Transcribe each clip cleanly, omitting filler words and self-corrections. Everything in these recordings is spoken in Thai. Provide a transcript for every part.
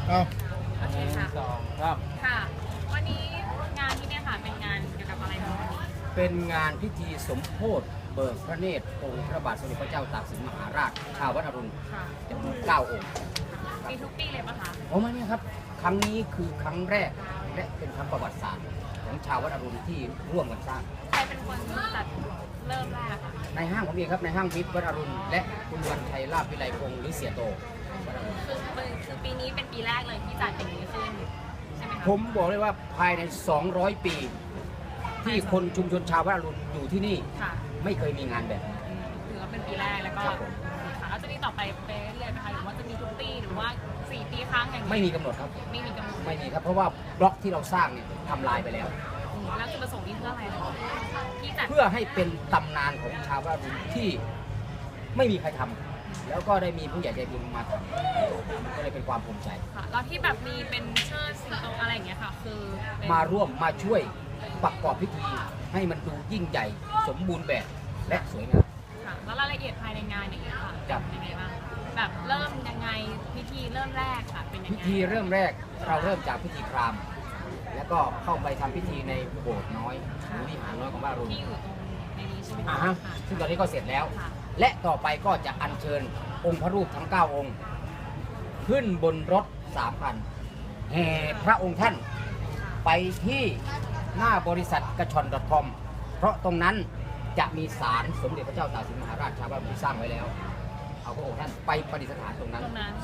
เอาโอเคค่ะ 2 ครับค่ะ วันนี้งานที่เนี่ยค่ะเป็นงานเกี่ยวกับอะไรคะวันนี้เป็นงานพิธีสมโภชเบิกพระเนตรองค์พระบาทสมเด็จพระเจ้าตากสินมหาราช ชาววัดอรุณค่ะจำนวน9 องค์มีทุกปีเลยปะคะโอ้มาเนี่ยครับ ครั้งนี้คือครั้งแรกและเป็นครั้งประวัติศาสตร์ของชาววัดอรุณที่ร่วมกันสร้างใครเป็นคนจัดเริ่มแรกคะในห้างผมเองครับในห้างวิทย์วัดอรุณและคุณวันชัยลาภวิไลพงศ์หรือเสียโตวัดอรุณคือปีนี้เป็นปีแรกเลยที่จัดอย่างนี้ขึ้นใช่ไหมคะผมบอกเลยว่าภายใน 200 ปี ที่คนชุมชนชาววัดอรุณอยู่ที่นี่ค่ะไม่เคยมีงานแบบนี้ถือว่าเป็นปีแรกแล้วก็ครับผมค่ะแล้วจะมีต่อไปเรื่อยๆไหมคะหรือว่าจะมีทุกปีหรือว่า4 ปีครั้งอย่างนี้ไม่มีกำหนดครับไม่มีกำหนดไม่มีครับ เพราะว่าบล็อกที่เราสร้างเนี่ยทำลายไปแล้วแล้วจุดประสงค์นี้เพื่ออะไรคะที่จัดเพื่อให้เป็นตำนานของชาววัดอรุณที่ไม่มีใครทำแล้วก็ได้มีผู้ใหญ่ใจบุญมาทำมันก็เลยเป็นความภูมิใจค่ะแล้วที่แบบมีเป็นเชิดสิงโตอะไรอย่างเงี้ยค่ะ คือเป็นมาร่วมมาช่วยประกอบพิธีให้มันดูยิ่งใหญ่สมบูรณ์แบบและสวยงามค่ะแล้วรายละเอียดภายในงานอย่างเงี้ยค่ะครับเป็นยังไงบ้างแบบเริ่มยังไงพิธีเริ่มแรกค่ะเป็นยังพิไงธีเริ่มแรกเราเริ่มจากพิธีพราหมณ์แล้วก็เข้าไปทำพิธีในโบสถ์น้อยหรือวิหารน้อยของวัดอรุณที่อยู่ตรงในนี้ใช่ไหมอ่าคะฮะค่ะซึ่งตอนนี้ก็เสร็จแล้วค่ะและต่อไปก็จะอัญเชิญองค์พระรูปทั้ง 9 องค์ ขึ้นบนรถ3 คันแห่พระองค์ท่านไปที่หน้าบริษัทกระชอน .com เพราะตรงนั้นจะมีศาลสมเด็จพระเจ้าตากสินมหาราชชาวบ้านที่สร้างไว้แล้ว เอาพระองค์ท่านไปประดิษฐานตรงนั้น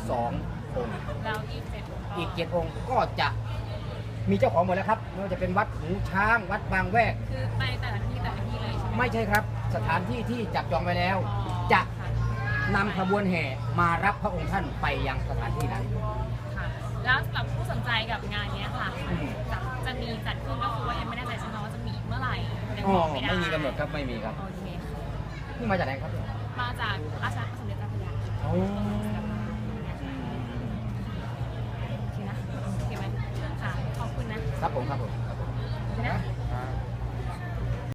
2 องค์แล้ว27 อีก7 องค์ก็จะมีเจ้าของหมดแล้วครับไม่ว่าจะเป็นวัดหูช้างวัดบางแวกคือไปแต่ละที่เลยใช่ไหมไม่ใช่ครับสถานที่ที่จับจองไว้แล้ว จะค่ะนำขบวนแห่มารับพระองค์ท่านไปยังสถานที่นั้นค่ะแล้วสำหรับผู้สนใจกับงานเนี้ยค่ะอืมจะมีจัดขึ้นก็คือว่ายังไม่แน่ใจใช่ไหมว่าจะมีเมื่อไหร่ยังอ๋อบอกไม่ได้ไม่มีกำหนดครับไม่มีครับโอเคค่ะนี่มาจากไหนครับมาจากราชสมเด็จเจ้าพระยาค่ะโอ้โอเคนะโอเคไหมค่ะขอบคุณนะครับผมครับผมโอเคนะ